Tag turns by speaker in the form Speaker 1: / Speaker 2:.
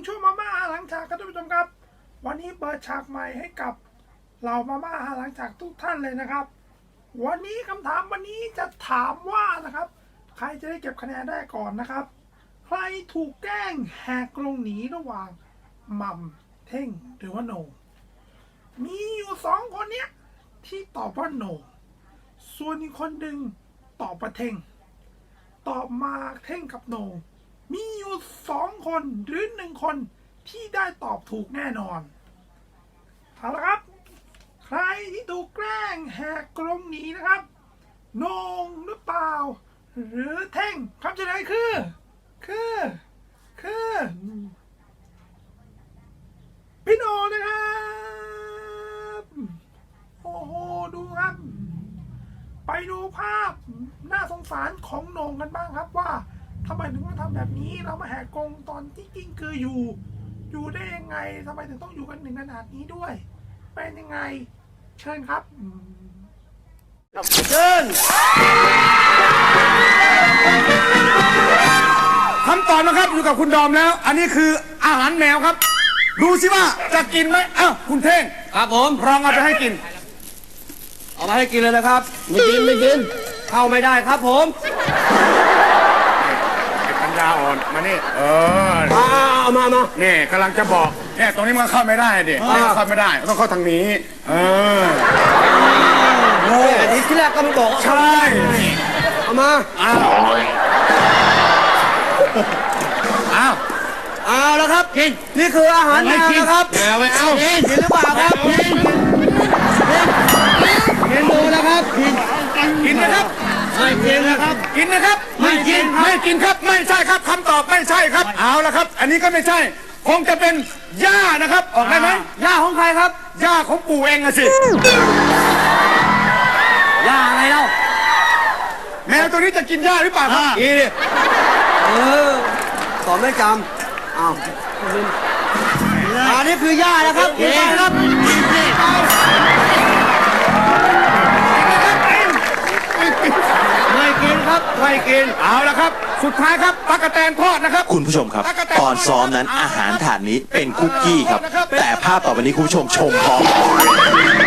Speaker 1: ช่วงมาม่าหลังฉากครับท่านผู้ชมครับวันนี้เปิดฉากใหม่ให้กับเหล่ามาม่าหลังฉากทุกท่านเลยนะครับวันนี้คำถามวันนี้จะถามว่านะครับใครจะได้เก็บคะแนนได้ก่อนนะครับใครถูกแกล้งแหกกรงหนีระหว่างหม่ำเท่งหรือว่าโหน่งมีอยู่2 คนเนี้ยที่ตอบว่าโหน่งส่วนอีกคนหนึ่งตอบว่าเท่งตอบมาเท่งกับโหน่งมีอยู่2 คนหรือ1 คนที่ได้ตอบถูกแน่นอนเอาละครับใครที่ถูกแกล้งแหกกรงหนีนะครับโหน่งหรือเปล่าหรือเท่งคำเฉลยคือพี่โหน่งนะครับโอ้โหดูครับไปดูภาพน่าสงสารของโหน่งกันบ้างครับว่าทำไมถึงมาทำแบบนี้เรามาแหกกรงตอนที่กิ้งคืออยู่ได้ยังไงทำไมถึงต้องอยู่กันถึงขนาดนี้ด้วยเป็นยังไงเชิญครับ
Speaker 2: เชิญคำตอบนะครับอยู่กับคุณดอมแล้ว อันนี้คืออาหารแมวครับดูสิว่าจะกินไหมอ้าวคุณเท่ง
Speaker 3: ครับผม
Speaker 2: ลองเอาไปให้กิน
Speaker 3: เอามาให้กินเลยนะครับไม่กินเข้าไม่ได้ครับผม
Speaker 2: ปัญญาอ่อนมานี่
Speaker 3: เอามา
Speaker 2: นี่กำลังจะบอกเนี่ยตรงนี้มันเข้าไม่ได้ดิเข้าไม่ได้ต้องเข้าทางนี้
Speaker 3: อันนี้ที่แรกก็ไม่บอก
Speaker 2: ใช่
Speaker 3: เอามาเอาแล้วครับกินนี่คืออาหารแมวนะครับ
Speaker 2: ไม่เอา
Speaker 3: กินหรือเปล่าครับกินดูนะครับ
Speaker 2: กินนะครับ
Speaker 3: ไม่กินนะครับ
Speaker 2: กินนะครับ
Speaker 3: ไม่กิน
Speaker 2: ครับไม่ใช่ครับคำตอบไม่ใช่ครับเอาละครับอันนี้ก็ไม่ใช่คงจะเป็นหญ้านะครับออกได้ไหม
Speaker 3: หญ้าของใครครับ
Speaker 2: หญ้าของปู่เองอะสิ
Speaker 3: หญ้าอะไรเล่า
Speaker 2: แมวตัวนี้จะกินหญ้าหรือเปล่าครับ
Speaker 3: ตอบไม่จำอ้าวอันนี้คือหญ้านะครับกินไปครับไม่กินครับไม่กิน
Speaker 2: เอาละครับสุดท้ายครับตั๊กแตนทอดนะครับ
Speaker 4: คุณผู้ชมครับตอนซ้อมนั้นอาหารถาดนี้เป็นคุกกี้ครับแต่ภาพต่อไปนี้คุณผู้ชมชมพร้อม